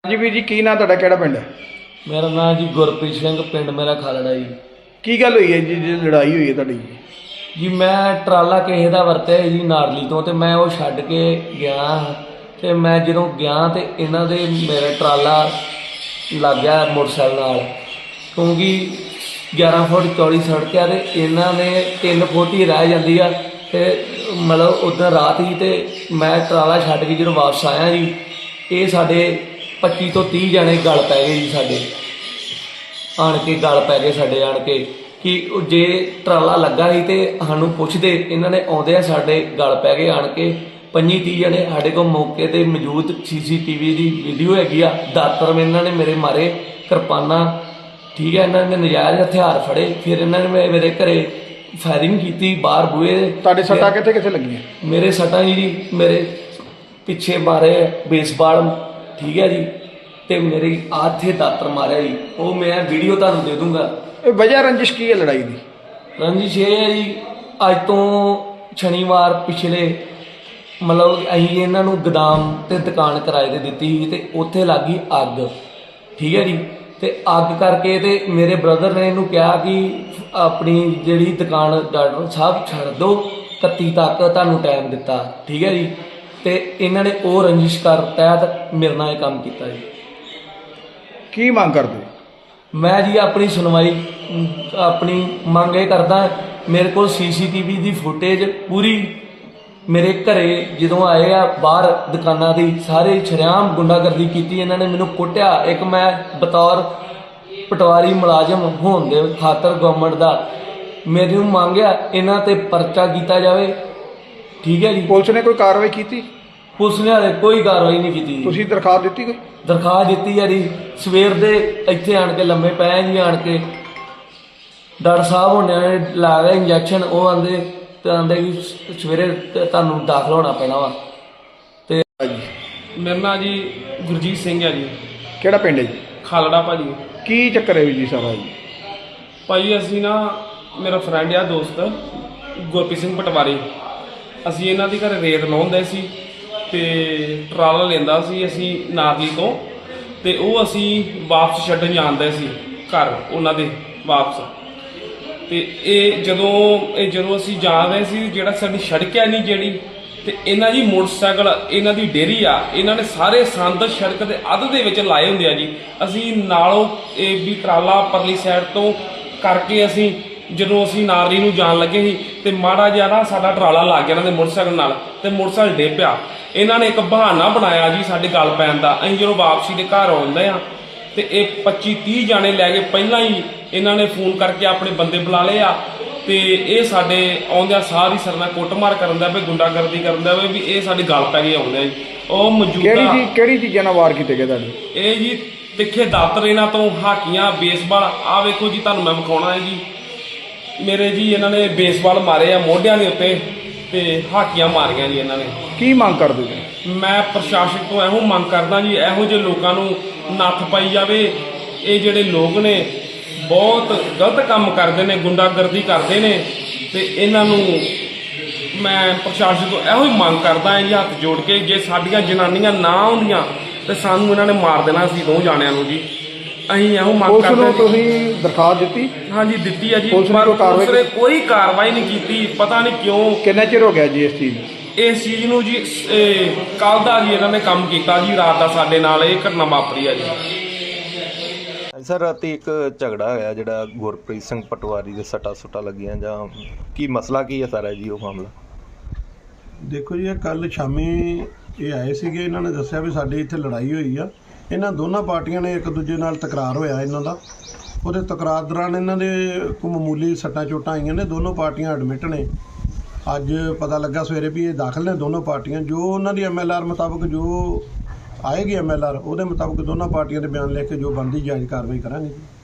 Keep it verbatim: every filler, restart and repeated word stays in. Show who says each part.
Speaker 1: जी वीर जी की नाम तुहाडा किहड़ा पिंड है?
Speaker 2: मेरा नाम जी गुरप्रीत सिंह, पिंड मेरा खालड़ा जी।
Speaker 1: की गल हुई है जी जी लड़ाई हुई है तुहाडी?
Speaker 2: जी मैं ट्राला किसी का वरत्या जी नारली तो ते मैं वो छड्ड के गया ते मैं ਜਦੋਂ ਗਿਆ ਤੇ ਇਹਨਾਂ ਦੇ मेरा ट्राला लग गया मोटरसाइकिल नाल क्योंकि ग्यारह फुट चौड़ी सड़क है ते इन्हां ने तीन फुट ही रह जाती है ते मतलब उधर रात ही ते मैं ट्राला छड्ड के जो वापस आया जी ये साढ़े पच्ची तो तीह जने गल पै गए जी साढ़े आन के गल पै गए साढ़े आन के कि जे ट्राला लगा ही तो सानू पुछते इन्होंने आउंदे साढ़े गल पै गए आन के पंजी तीह जने साढ़े को मौके पर मौजूद सी सी टी वी की वीडियो हैगी आ दातर में इन्होंने मेरे मारे किरपाना ठीक है इन्होंने नजायज़ हथियार फड़े फिर इन्होंने मेरे घरे फायरिंग की बाहर बूहे
Speaker 1: तुहाडे सट्टां कित्थे कित्थे लगियां?
Speaker 2: मेरे सट्टां जी मेरे पिछे मारे बेसबाल ठीक है जी तो मेरे आथे दातर मारे जी वो मैं वीडियो तुहानू दे दूंगा।
Speaker 1: वजह रंजिश की है लड़ाई की?
Speaker 2: रंजिश ये है जी अज तो शनिवार पिछले मतलब असीं इन्हां नूं गोदाम ते दुकान किराए ते दित्ती सी ते उत्थे लग गई अग ठीक है जी ते अग करके ते मेरे ब्रदर ने इहनूं कहा कि अपनी जिहड़ी दुकान डॉक्टर साहब छड्ड दो इकत्ती तक तुहानूं टाइम दिता ठीक है जी ते इन्हां ने वो रंजिश कर तहत मेरे नाल ये काम कीता जी।
Speaker 1: की मंग करदे?
Speaker 2: मैं जी अपनी सुनवाई अपनी मंग ये करदा मेरे को सी सी टी वी की फुटेज पूरी मेरे घरे जो आए आ बाहर दुकाना की सारे शरेआम गुंडागर्दी की इन्होंने मैनू कुटिया एक मैं बतौर पटवारी मुलाजम होने के खातर गवर्नमेंट का मेरी मंग आ इन्हां ते परचा किया जाए ठीक है जी।
Speaker 1: पुलिस ने कोई कार्रवाई की?
Speaker 2: पुलिस ने हाले कोई कार्रवाई नहीं की।
Speaker 1: तुसीं दरखास्त दित्ती कोई?
Speaker 2: दरखास्त दी है जी सवेर दे इत्थे आन के लम्बे पै जी आन के डॉक्टर साहब होने ने ला गए इंजैक्शन वो आंदे ते आंदे कि सवेरे तुहानूं दाखल होना पैना वा ते
Speaker 3: मेरा नाम जी गुरजीत सिंह है जी।
Speaker 1: किहड़ा पिंड है जी?
Speaker 3: खालड़ा भाजी।
Speaker 1: की चक्कर है जी सारा जी?
Speaker 3: भाई असी ना मेरा फ्रेंड आ दोस्त गुरप्रीत सिंह पटवारी असी इन्हां दी घरे रेत लाउंदे सी ते ट्राला लेंदा सी असी नारली तो ते ਉਹ ਅਸੀਂ ਵਾਪਸ ਛੱਡਣ ਜਾਂਦੇ ਸੀ ਘਰ ਉਹਨਾਂ ਦੇ ਵਾਪਸ ਤੇ ਇਹ ਜਦੋਂ ਇਹ ਜਦੋਂ ਅਸੀਂ ਜਾ ਰਹੇ ਸੀ ਜਿਹੜਾ ਸਾਡੀ ਸੜਕ ਹੈ ਨਹੀਂ ਜਿਹੜੀ ਤੇ ਇਹਨਾਂ ਜੀ ਮੋਟਰਸਾਈਕਲ ਇਹਨਾਂ ਦੀ ਡੇਰੀ ਆ ਇਹਨਾਂ ਨੇ ਸਾਰੇ ਸੰਦ ਸੜਕ ਦੇ ਅੱਧ ਦੇ ਵਿੱਚ ਲਾਏ ਹੁੰਦੇ ਆ ਜੀ ਅਸੀਂ ਨਾਲੋਂ ਇਹ ਵੀ ਟਰਾਲਾ ਪਰਲੀ ਸਾਈਡ ਤੋਂ ਕਰਕੇ ਅਸੀਂ ਜਦੋਂ ਅਸੀਂ ਨਾਰਲੀ ਨੂੰ ਜਾਣ ਲੱਗੇ ਸੀ ਤੇ ਮਾੜਾ ਜਿਹਾ ਨਾ ਸਾਡਾ ਟਰਾਲਾ ਲੱਗ ਗਿਆ ਇਹਨਾਂ ਦੇ ਮੋਟਰਸਾਈਕਲ ਨਾਲ ਤੇ ਮੋਟਰਸਾਈਕਲ ਡੇ ਪਿਆ ਇਹਨਾਂ ਨੇ ਇੱਕ ਬਹਾਨਾ ਬਣਾਇਆ ਜੀ ਸਾਡੇ ਗੱਲ ਪੈਣ ਦਾ ਅਸੀਂ ਜਦੋਂ ਵਾਪਸੀ ਦੇ ਘਰ ਆਉਂਦੇ ਆ ਤੇ ਇਹ ਪੱਚੀ ਤੀਹ ਜਾਣੇ ਲੈ ਕੇ ਪਹਿਲਾਂ ਹੀ ਇਹਨਾਂ ਨੇ ਫੋਨ ਕਰਕੇ ਆਪਣੇ ਬੰਦੇ ਬੁਲਾ ਲਏ ਆ ਤੇ ਇਹ ਸਾਡੇ ਆਉਂਦਿਆਂ ਸਾਰੀ ਸਰਨਾ ਕੁੱਟਮਾਰ ਕਰਨ ਦਾ ਵੀ ਗੁੰਡਾਗਰਦੀ ਕਰਨ ਦਾ ਵੀ ਇਹ ਸਾਡੇ ਗੱਲ ਪੈ ਗਏ ਆਉਂਦੇ ਆ ਜੀ ਉਹ ਮੌਜੂਦਾ
Speaker 1: ਕਿਹੜੀ ਚੀਜ਼ ਕਿਹੜੀ ਚੀਜ਼ਾਂ ਨਾਲ ਵਾਰ ਕੀਤੇ ਗਏ ਤੁਹਾਡੇ?
Speaker 3: ਇਹ ਜੀ ਤਿੱਖੇ ਦਾਤਰ ਇਹਨਾਂ ਤੋਂ ਹਾਕੀਆਂ ਬੇਸਬਾਲ ਆ ਵੇਖੋ ਜੀ ਤੁਹਾਨੂੰ ਮੈਂ ਵਿਖਾਉਣਾ ਹੈ ਜੀ ਮੇਰੇ ਜੀ ਇਹਨਾਂ ਨੇ ਬੇਸਬਾਲ ਮਾਰੇ ਆ ਮੋਢਿਆਂ ਦੇ ਉੱਤੇ ਤੇ ਹਾਕੀਆਂ ਮਾਰੀਆਂ ਜੀ ਇਹਨਾਂ ਨੇ।
Speaker 1: ਕੀ ਮੰਗ ਕਰਦੇ ਜੀ?
Speaker 3: ਮੈਂ ਪ੍ਰਸ਼ਾਸਨ ਤੋਂ ਇਹੋ ਮੰਗ ਕਰਦਾ ਜੀ ਇਹੋ ਜਿਹੇ ਲੋਕਾਂ ਨੂੰ ਨੱਥ ਪਾਈ ਜਾਵੇ ਇਹ ਜਿਹੜੇ ਲੋਕ ਨੇ ਬਹੁਤ ਗਲਤ ਕੰਮ ਕਰਦੇ ਨੇ ਗੁੰਡਾਗਰਦੀ ਕਰਦੇ ਨੇ ਤੇ ਇਹਨਾਂ ਨੂੰ ਮੈਂ ਪ੍ਰਸ਼ਾਸਨ ਤੋਂ ਇਹੋ ਹੀ ਮੰਗ ਕਰਦਾ ਹਾਂ ਜੀ ਹੱਥ ਜੋੜ ਕੇ ਜੇ ਸਾਡੀਆਂ ਜਨਾਨੀਆਂ ਨਾ ਆਉਂਦੀਆਂ ਤੇ ਸਾਨੂੰ ਇਹਨਾਂ ਨੇ ਮਾਰ ਦੇਣਾ ਸੀ ਦੋ ਜਾਣਿਆਂ ਨੂੰ ਜੀ ਅਸੀਂ ਇਹੋ ਮੰਗ ਕਰਦੇ ਹਾਂ।
Speaker 1: ਤੁਸੀਂ ਦਰਖਾਸਤ ਦਿੱਤੀ?
Speaker 3: ਹਾਂਜੀ ਦਿੱਤੀ ਹੈ ਜੀ
Speaker 1: ਪੁਲਿਸ ਨੇ
Speaker 3: ਪੁਲਿਸ ਨੇ ਕੋਈ ਕਾਰਵਾਈ ਨਹੀਂ ਕੀਤੀ ਪਤਾ ਨਹੀਂ ਕਿਉਂ।
Speaker 1: ਕਿੰਨਾ ਚਿਰ ਹੋ ਗਿਆ ਜੀ ਇਸ ਚੀਜ਼
Speaker 3: ਇਸ ਚੀਜ਼ ਨੂੰ ਜੀ ਕੱਲ ਦਾ ਜੀ ਇਹਨਾਂ ਨੇ ਕੰਮ ਕੀਤਾ ਜੀ ਰਾਤ ਦਾ ਸਾਡੇ ਨਾਲ ਇਹ ਘਟਨਾ ਵਾਪਰੀ ਆ ਜੀ।
Speaker 4: ਸਰ ਰਾਤੀ ਇੱਕ ਝਗੜਾ ਹੋਇਆ ਜਿਹੜਾ ਗੁਰਪ੍ਰੀਤ ਸਿੰਘ ਪਟਵਾਰੀ ਦੇ ਸੱਟਾਂ ਸੁੱਟਾਂ ਲੱਗੀਆਂ ਜਾਂ ਕੀ ਮਸਲਾ ਕੀ ਹੈ ਸਾਰਾ ਜੀ ਉਹ ਮਾਮਲਾ?
Speaker 5: ਦੇਖੋ ਜੀ ਇਹ ਕੱਲ੍ਹ ਸ਼ਾਮੀ ਇਹ ਆਏ ਸੀਗੇ ਇਹਨਾਂ ਨੇ ਦੱਸਿਆ ਵੀ ਸਾਡੇ ਇੱਥੇ ਲੜਾਈ ਹੋਈ ਆ ਇਹਨਾਂ ਦੋਨਾਂ ਪਾਰਟੀਆਂ ਨੇ ਇੱਕ ਦੂਜੇ ਨਾਲ ਤਕਰਾਰ ਹੋਇਆ ਇਹਨਾਂ ਦਾ ਉਹਦੇ ਤਕਰਾਰ ਦੌਰਾਨ ਇਹਨਾਂ ਦੇ ਕੋਈ ਮਾਮੂਲੀ ਸੱਟਾਂ ਚੋਟਾਂ ਆਈਆਂ ਨੇ ਦੋਨੋਂ ਪਾਰਟੀਆਂ ਐਡਮਿਟ ਨੇ ਅੱਜ ਪਤਾ ਲੱਗਾ ਸਵੇਰੇ ਵੀ ਇਹ ਦਾਖਲ ਨੇ ਦੋਨੋਂ ਪਾਰਟੀਆਂ ਜੋ ਉਹਨਾਂ ਦੀ ਐਮ ਐਲ ਆਰ ਮੁਤਾਬਕ ਜੋ ਆਏਗੀ ਐਮ ਐਲ ਆਰ ਉਹਦੇ ਮੁਤਾਬਕ ਦੋਨਾਂ ਪਾਰਟੀਆਂ ਦੇ ਬਿਆਨ ਲਿਖ ਕੇ ਜੋ ਬਣਦੀ ਜਾਂਚ ਕਾਰਵਾਈ ਕਰਾਂਗੇ।